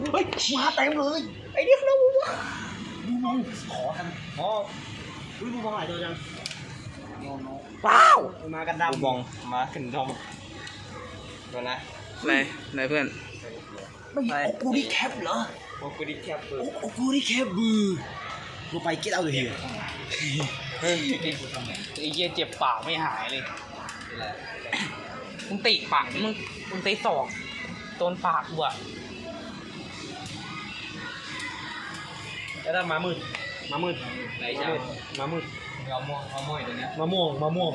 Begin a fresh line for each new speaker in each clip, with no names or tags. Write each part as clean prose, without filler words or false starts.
เฮ้ยมาเต็มเลยไอ้เนี่ยเราบูมองขอกันอ๋อบูมองหลายตัวจังว้าวมากันดำบูมองมาขึ้นทอมตัวนะ
ไหนเพื่อน
ไม่โอกูดิแคปเหรอโอกูดิแคปเบอร์โอกูดิแคปเบอร์กูไปget out of here
ไอ้เหี้ยเจ็บปากไม่หายเลยมึงติปากมึงตีศอกโดนปากกูอะ
แล้วถ้ามามืดไหนจ้ามามืดมะม่วงตัวเนี้ยมะม่วง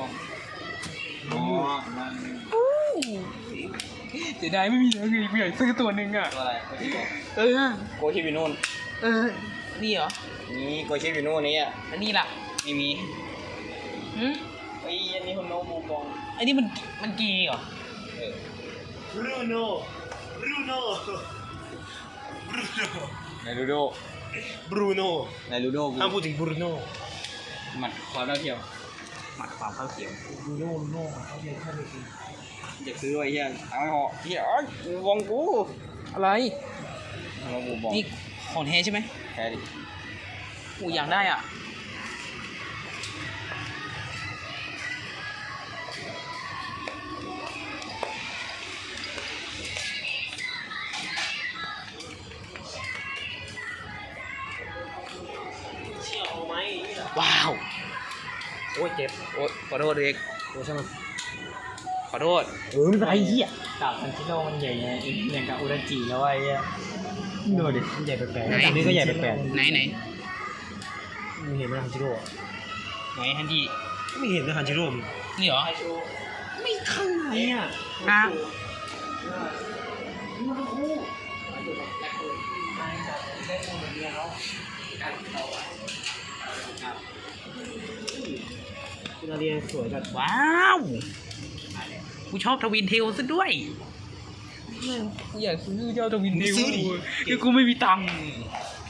เสียดายไม่มีเลยกูอยากซื้อตัวหนึ่งอ่ะ
ตัวอะไรโกชิบิโน่
นี่เหรอ
นี่โกชิบิโน่นี่อ่ะ
อันนี้ล่ะ
ไม่มีไอ้อันนี้คนโนบูบอง
ไอ้นี่มันกีเหรอบ
รูโน่ไหนลูโดบรูโน่ห้ามพูดถึงบรูโน่
หมัดความเท่าเทียมหมัดความเท่าเทียม
บรูโน่เขาเรียกแค่ไม่กินอยากซื้อไว้เฮียเอาไม่พอเฮียบองกู
อะไร
บูบอง
นี่ของแท้ใช่ไหม
แท้ดิ
กูอยากได้อ่ะว้าว
โอ้ยเจ็บ
โอ้ยขอโทษเด็ก
โอ้ใช่ไหม
ขอโทษ
ไม่เป็นไรเหี้ยดาบทันชิโร่มันใหญ่ไงอย่างกับอุราจิแล้วไอ้เหี้ยดูดิมันใหญ่แปลกๆอันนี้ก็ใหญ่แปลก
ๆไหน
มึงเห็นไหมทันชิโร่
ไหนฮันดี้
ไม่เห็นนะทันชิโร่
นี่เหรอ
ไม่ข้างไหนอ่ะคุณอาเรียสวยจัด
ว้าวกูชอบทวินเทลซะด้วยกูอยากซื้อเจ้าทวินเทลคือกูไม่มีตังค์